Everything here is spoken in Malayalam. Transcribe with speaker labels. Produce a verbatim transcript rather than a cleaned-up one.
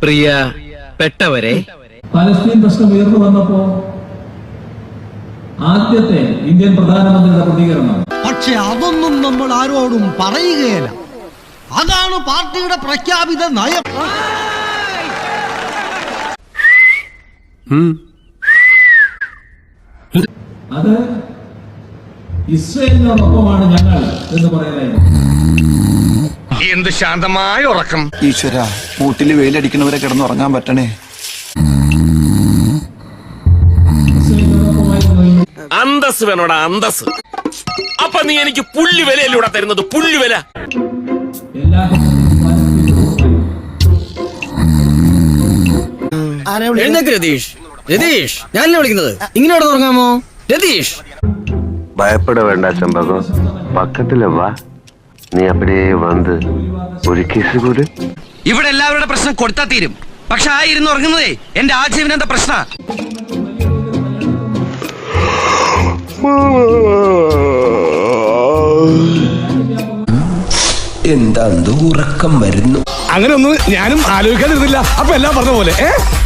Speaker 1: പ്രിയ പെട്ടവരെ,
Speaker 2: പലസ്തീൻ പ്രശ്നം ഉയർന്നു വന്നപ്പോ ആദ്യത്തെ ഇന്ത്യൻ പ്രധാനമന്ത്രിയുടെ പ്രതികരണം,
Speaker 3: പക്ഷെ അതൊന്നും നമ്മൾ ആരോടും പറയുകയില്ല. അതാണ് പാർട്ടിയുടെ പ്രഖ്യാപിത നയം.
Speaker 2: അത് ഇസ്രയേലിനോടൊപ്പമാണ് ഞങ്ങൾ എന്ന് പറയാനായിരുന്നു.
Speaker 4: എന്ത് ശാന്തമായ ഉറക്കം.
Speaker 5: ഈശ്വര, മൂട്ടില് വെയിലടിക്കണവരെ കിടന്നുറങ്ങാൻ പറ്റണേ.
Speaker 4: അന്തസ് വേണോടാ, അന്തസ്. അപ്പൊ നീ എനിക്ക് പുല്ല് വിലയല്ലൂടെ തരുന്നത്, പുല്ല് വില.
Speaker 2: എല്ലാ
Speaker 1: രതീഷ് രതീഷ് ഞാനല്ലേ വിളിക്കുന്നത്, ഇങ്ങനെ തുടങ്ങാമോ? രതീഷ്,
Speaker 6: பயப்பட வேண்டாம் செம்பகம், பக்கத்துல வா. നീ அப்படியே വന്ന് ഒരു കിസ് കൂടി.
Speaker 7: ഇവിടെ എല്ലാവരുടെ പ്രശ്നം കൊടുത്താ തീരും. പക്ഷെ ആ ഇരുന്ന് ഉറങ്ങുന്നതേ എന്റെ ആജീവനന്ത പ്രശ്ന.
Speaker 5: എന്താ ഉറക്കം വരുന്നു?
Speaker 4: അങ്ങനെ ഒന്നും ഞാനും ആലോചിക്കാതിരുന്നില്ല. അപ്പൊ എല്ലാം പറഞ്ഞ പോലെ.